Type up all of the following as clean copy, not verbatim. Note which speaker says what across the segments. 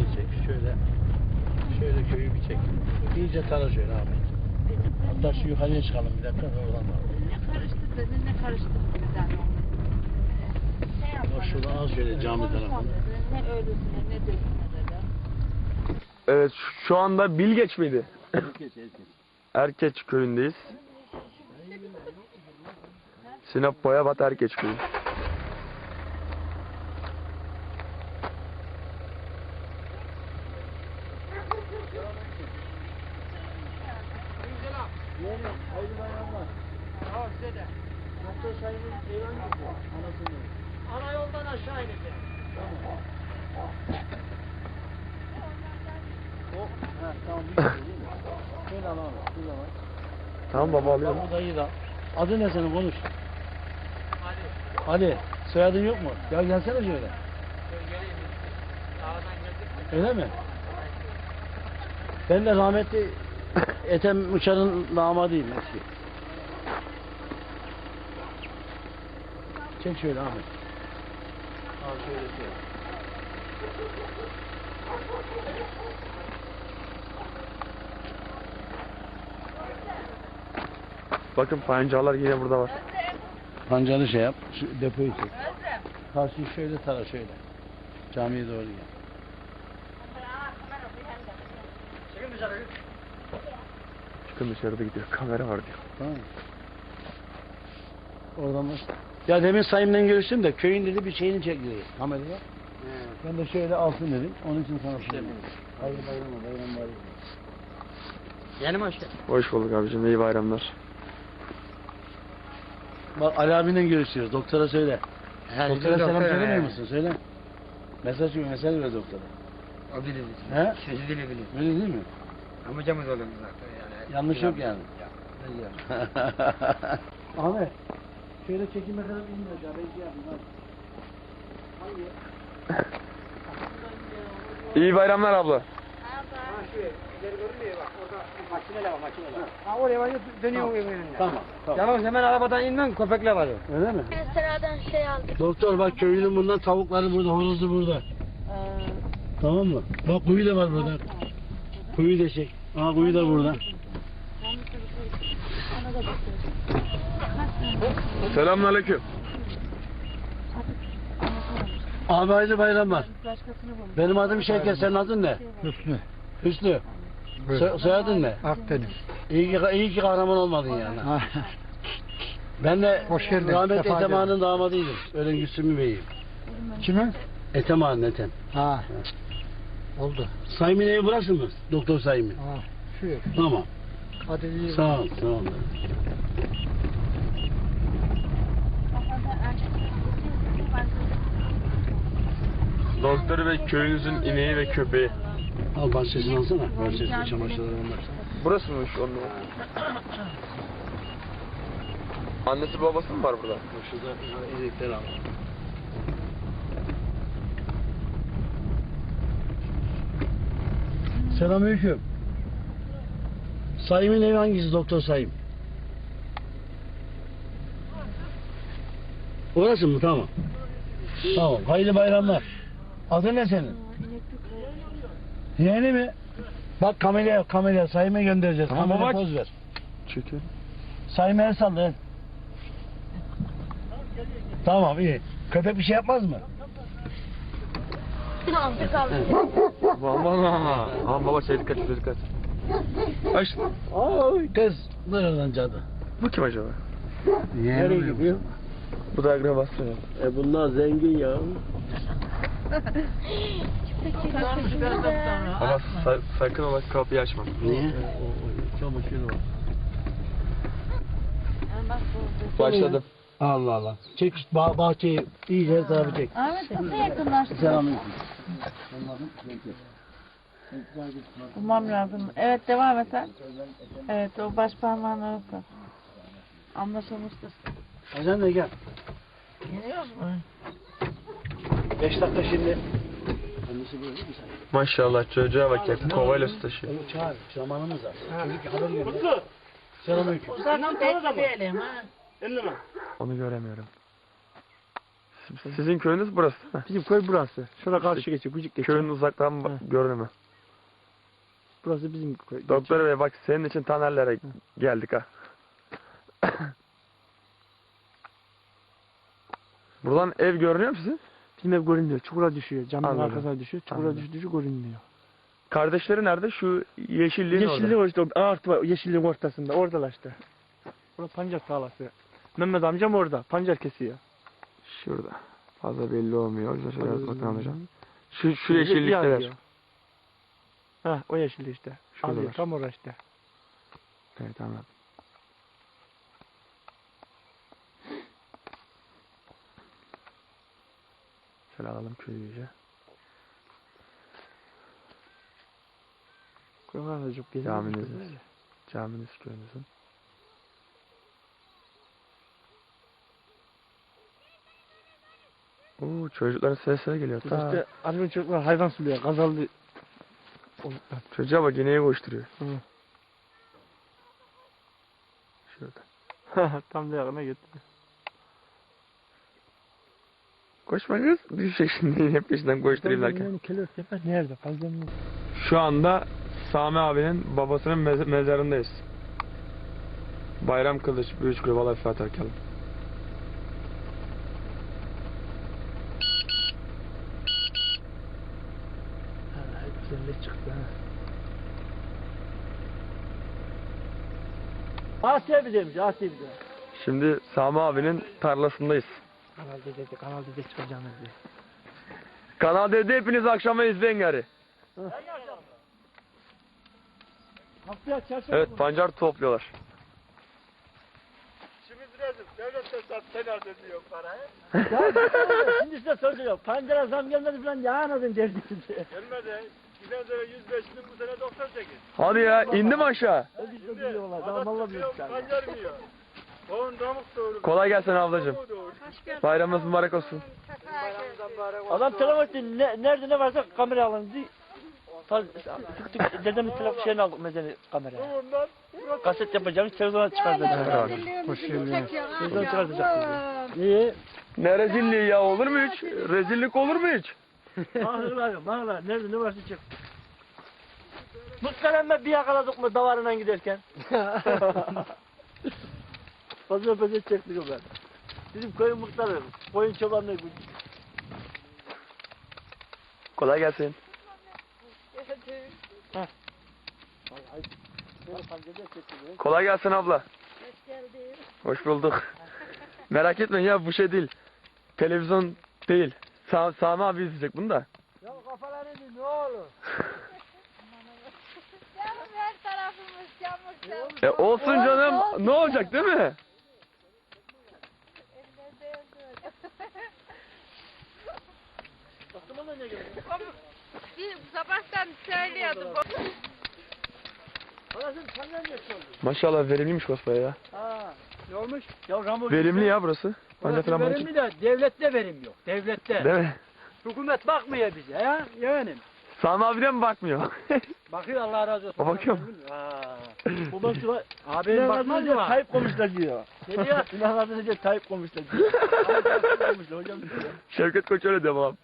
Speaker 1: çek. Şöyle köyü bir çek. İyice tara şöyle abi. Hatta şu yukarıya çıkalım bir dakika. Oradan da.
Speaker 2: Ne karıştırdın, ne karıştırdın sen onu?
Speaker 1: Şuradan al şöyle cami tarafına.
Speaker 2: Ne ölüsüne, ne dölüsüne dedi.
Speaker 3: Evet, şu anda Bilgeç miydi?
Speaker 1: Herkes.
Speaker 3: Erkeç köyündeyiz. Sinop Boyabat Erkeç köyü.
Speaker 1: Hayırlı bayramlar.
Speaker 4: Tamam size de.
Speaker 1: Doktor Sayın'ın evi hangisi? Anasının.
Speaker 4: Ana yoldan aşağı ineceğim.
Speaker 1: Tamam. Tamam. Şöyle al abi. Şurada var.
Speaker 3: Tamam baba alıyorum.
Speaker 1: Bak bu dayı da. Adı ne senin konuş. Ali. Soyadın yok mu? Ya gelsene şöyle.
Speaker 4: Geleyim. Dağdan geldik.
Speaker 1: Öyle mi? Ben de rahmetli Ethem Uçar'ın damadıyım eski. Çek şöyle Ahmet. Al şöyle şöyle.
Speaker 3: Bakın pancalar yine burada var.
Speaker 1: Pancarı şey yap, şu depoyu çek. Karşıyı şöyle tara şöyle. Camiye doğru gel.
Speaker 4: Çıkın dışarı.
Speaker 3: Çıkın dışarıda gidiyor. Kamera var diyor.
Speaker 1: Tamam mı? Oradan bak. Ya demin Sayım'la görüştüm de köyün dedi bir şeyini çekiyor kameraya. Ben de şöyle alsın dedim. Onun için sana söyledim. Hayırlı bayramlar, bayram bayram.
Speaker 4: Yeni mi hoş geldin?
Speaker 3: Hoş bulduk abicim. İyi bayramlar.
Speaker 1: Bak Ali abiyle görüşüyoruz. Doktora söyle. Doktora selam söylemiyor musun? Söyle. Mesaj ver doktora.
Speaker 4: O bilir.
Speaker 1: He?
Speaker 4: Sözü dili bilir.
Speaker 1: Öyle değil mi?
Speaker 4: Amcamız oluyor zaten yani.
Speaker 1: Yanlış yok yani.
Speaker 4: Ne diyor?
Speaker 1: Ahmet. Şöyle çekime kadar inmiyor ya. Ben şey yapayım.
Speaker 3: İyi bayramlar abla.
Speaker 4: Şu ileri görünmüyor bak orada makineler var makineler. Ha oraya var dönüyor evin önünde.
Speaker 1: Tamam.
Speaker 4: Yalnız hemen arabadan inmem köpekler var.
Speaker 1: Öyle mi?
Speaker 2: Sıradan şey aldık.
Speaker 1: Doktor bak köylünün bundan tavukları burada, horozu burada. Tamam mı? Bak kuyu da var burada. Kuyu da çek. Aa kuyu da burada.
Speaker 3: Selamünaleyküm.
Speaker 1: Abi hayırlı bayramlar. Benim adım Şevket, senin adın ne?
Speaker 4: Hüsnü.
Speaker 1: Hüsnü. Soyadın ne?
Speaker 4: Akdeniz.
Speaker 1: İyi ki kahraman olmadın yani. Ben de
Speaker 4: Hoş geldin,
Speaker 1: rahmetli
Speaker 4: sefa
Speaker 1: Ethem
Speaker 4: geldin.
Speaker 1: Ağa'nın damadıydım. Ölen Güsümü Bey'im.
Speaker 4: Kimin?
Speaker 1: Ethem Ağa'nın Ethem.
Speaker 4: Ha. Oldu.
Speaker 1: Sayım'ın evi burası mı? Doktor Sayım'ın.
Speaker 4: Ha. Şu ev.
Speaker 1: Tamam.
Speaker 4: Hadi iyi.
Speaker 1: Sağ ol, sağ ol.
Speaker 3: Doktor Bey köyünüzün ineği ve köpeği.
Speaker 1: Al bahçesini alsana. Bahçesini çamaşırları onlar.
Speaker 3: Burası mı şu onun? Annesi babası mı var burada?
Speaker 1: Şurada ezikleri al. Selamünaleyküm. Sayım'ın evi hangisi Doktor Sayım? Orası mı? Tamam. Tamam. Hayırlı bayramlar. Adın ne senin? Yeğeni mi? Bak kameraya Sayım'a göndereceğiz.
Speaker 3: Tamam,
Speaker 1: Kameraya
Speaker 3: baba.
Speaker 1: poz ver.
Speaker 3: Çekin.
Speaker 1: Sayım'a el salla el. Tamam iyi. Köpek bir şey yapmaz mı?
Speaker 2: Aldık aldık.
Speaker 3: Aman ha. Aman baba şey dikkat dikkat. Aç.
Speaker 1: Ay kız. Nereden cadı?
Speaker 3: Bu kim acaba?
Speaker 1: Nereye gidiyor?
Speaker 3: Bu da akrabası.
Speaker 1: Bunlar zengin ya.
Speaker 3: Ama sakın ola kapıyı açma.
Speaker 1: Niye? Çamaşırı var.
Speaker 3: Başladım.
Speaker 1: Allah Allah. Çek işte bahçeyi iyice hesabı çek.
Speaker 2: Ahmet nasıl yakınlaştı?
Speaker 1: Selamünaleyküm.
Speaker 5: Bulmam lazım. Evet devam et sen. Evet o baş parmağın arası. Anlaşılmıştır.
Speaker 1: Hasan da gel.
Speaker 5: Geliyoruz mu?
Speaker 1: 5 dakika şimdi. Annesi böyle değil mi sen?
Speaker 3: Maşallah çocuğa bak ya kovayla su taşıyor.
Speaker 1: Onu çağır. Zamanımız var. Çocuk haber gönder. Selamünaleyküm.
Speaker 5: Uzaktan bekleyelim ha.
Speaker 3: Onu göremiyorum. Sizin köyünüz burası değil mi?
Speaker 1: Bizim köy burası. Şurada karşı geçiyor, küçük geçiyor.
Speaker 3: Köyün uzaktan görünümü.
Speaker 1: Burası bizim köy.
Speaker 3: Doktor bey bak senin için Tanerlere geldik ha. Buradan ev görünüyor mu sizin?
Speaker 1: Bizim ev görünmüyor. Çukura düşüyor. Camın
Speaker 3: Anladım.
Speaker 1: arkasına düşüyor. Çukura
Speaker 3: Anladım.
Speaker 1: düşüyor görünmüyor.
Speaker 3: Kardeşleri nerede? Şu yeşilliğin
Speaker 1: Yeşillik
Speaker 3: orada.
Speaker 1: o işte. Ağaç var. Yeşilliğin ortasında. Oradalar işte. Burası pancar tarlası. Mehmet amcam orada. Pancar kesiyor.
Speaker 3: Şurada. Fazla belli olmuyor. O yüzden şöyle
Speaker 1: Orada
Speaker 3: bakın hocam.
Speaker 1: yazıyor.
Speaker 3: Şu yeşillikler.
Speaker 1: yazıyor. Ha o yeşillik işte.
Speaker 3: Şuradalar.
Speaker 1: Alıyor, tam orası işte.
Speaker 3: Evet anladım. Şöyle alalım köyü iyice.
Speaker 1: Koylar da çok
Speaker 3: Caminiz. Caminiz köyünüzün. Oo çocukların sesleri geliyor. Ta.
Speaker 1: İşte annemin çocuklar hayvan suluyor. Gazallı.
Speaker 3: Çocuğa bak ineği koşturuyor.
Speaker 1: Hı.
Speaker 3: Şurada.
Speaker 1: Tam da yakına gitti.
Speaker 3: Koşma kız. Düşecek şimdi yine peşinden koşturayım derken.
Speaker 1: Kelebek yapar nerede? Fazla mı?
Speaker 3: Şu anda Sami abinin babasının mezarındayız. Bayram Kılıç, Büyük Kulüp, Allah Fatiha Erkalım.
Speaker 1: Güzellik çıktı ha. Asya bir demiş, Asya bir demiş.
Speaker 3: Şimdi Sami abinin tarlasındayız.
Speaker 1: Kanal D'de çıkacağımız diye.
Speaker 3: Kanal D'de hepiniz akşama izleyin gari.
Speaker 1: Haftaya çarşamba.
Speaker 3: Evet pancar topluyorlar.
Speaker 1: Şimdi size soruyor. Pancara zam gelmedi falan ya anladın derdiniz.
Speaker 6: Gelmedi. Giden sene 105 bin, bu sene 98.
Speaker 3: Hadi ya indi mi aşağı?
Speaker 1: Ödül diyorlar. Daha valla büyük tane.
Speaker 6: Pancar mı yiyor? Tohum damık doğru.
Speaker 3: Kolay gelsin ablacığım.
Speaker 6: Tohumu doğru.
Speaker 3: Bayramınız mübarek olsun.
Speaker 1: Adam telefon etti. Nerede ne varsa kamera alın diye. Tık dedemin telefon şeyini aldık mezeni kameraya.
Speaker 6: Tohumdan
Speaker 1: Kaset yapacağımız televizyona çıkartacağız.
Speaker 2: Hoş geldin.
Speaker 1: Televizyona çıkartacağız. Niye?
Speaker 3: Ne rezilliği ya olur mu hiç? Rezillik olur mu hiç?
Speaker 1: Mağla nerede ne varsa çık. Muhteremme bir yakaladık mı davarına giderken. Fazla fazla çektik o ben. Bizim koyun muhtarı, koyun çobanlığı.
Speaker 3: Kolay gelsin. Kolay gelsin abla. Hoş bulduk. Merak etmeyin ya bu şey değil. Televizyon değil. Sami abi izleyecek bunu da.
Speaker 1: Ya kafaları ne olur?
Speaker 2: Canım her tarafımız yağmur.
Speaker 3: Olsun canım. Ne olacak değil mi?
Speaker 2: Bir sabahtan söylüyordu.
Speaker 1: Anasını senden geçiyordu.
Speaker 3: Maşallah verimliymiş Kosbaya ya.
Speaker 1: Ha, ne olmuş? Ya Rambo
Speaker 3: Verimli ya burası. Pancar
Speaker 4: Burası
Speaker 3: falan bunun için.
Speaker 4: verimli de devlette verim yok. Devlette.
Speaker 3: Değil mi?
Speaker 4: Hükümet bakmıyor bize ya. Yani.
Speaker 3: Sami abi de mi bakmıyor?
Speaker 4: Bakıyor Allah razı olsun.
Speaker 3: O bakıyor mu?
Speaker 1: Babası var.
Speaker 4: Abi bakmaz mı?
Speaker 1: Tayyip komuşlar diyor.
Speaker 4: Ne diyor?
Speaker 1: İnanmadın önce Tayyip komuşlar diyor. Komuşlar hocam diyor.
Speaker 3: Şevket Koç öyle diyor babam.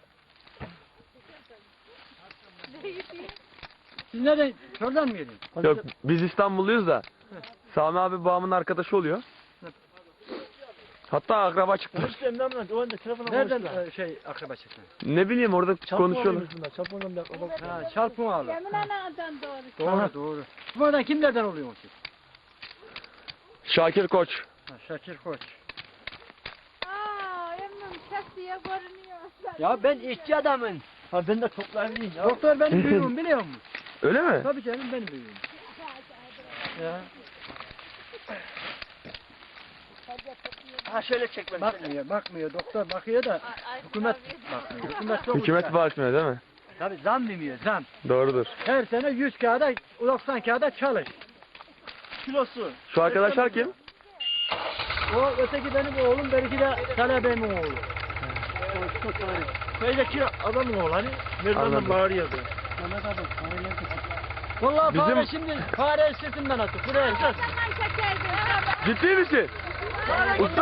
Speaker 4: Siz nereden? Şuradan mı yedin?
Speaker 3: Yok biz İstanbulluyuz da. Sami abi babamın arkadaşı oluyor. Hatta akraba çıktı.
Speaker 1: Komuşlar memnun. O anda telefona
Speaker 4: Nereden
Speaker 1: komuşlar.
Speaker 4: akraba çıktı?
Speaker 3: Ne bileyim orada konuşuyorlar.
Speaker 1: Çarpmadan bir bak.
Speaker 4: Ha çarpım ağlı.
Speaker 2: Yemin anadan doğru.
Speaker 4: Doğru doğru. Buradan kimlerden oluyorsun siz?
Speaker 3: Şakir Koç.
Speaker 4: Ha, Şakir Koç.
Speaker 2: Aa, emmim sesiye görünüyor.
Speaker 4: Ya ben işçi adamım.
Speaker 1: Ha ben de toplayayım ya.
Speaker 4: Doktor benim büyüğüm biliyor musun?
Speaker 3: Öyle mi?
Speaker 4: Tabii canım benim büyüğüm. Ya.
Speaker 1: Ha şöyle çek beni.
Speaker 4: Bakmıyor. Doktor bakıyor da hükümet bakmıyor. Hükümet çok
Speaker 3: Hükümet bağışmıyor değil mi?
Speaker 4: Tabii zam demiyor zam.
Speaker 3: Doğrudur.
Speaker 4: Her sene 100 kağıda 90 kağıda çalış.
Speaker 1: Kilosu.
Speaker 3: Şu arkadaşlar kim?
Speaker 4: O öteki benim oğlum, benimki de talebemin oğlu.
Speaker 1: Köydeki adamın oğlu hani.
Speaker 3: Anladım.
Speaker 1: Mezarından bağırıyordu.
Speaker 4: Vallahi
Speaker 3: Bizim-
Speaker 4: fare şimdi fare sırtından attı. Buraya esas.
Speaker 2: Zaman çekerdim.
Speaker 3: Ciddi misin? Usta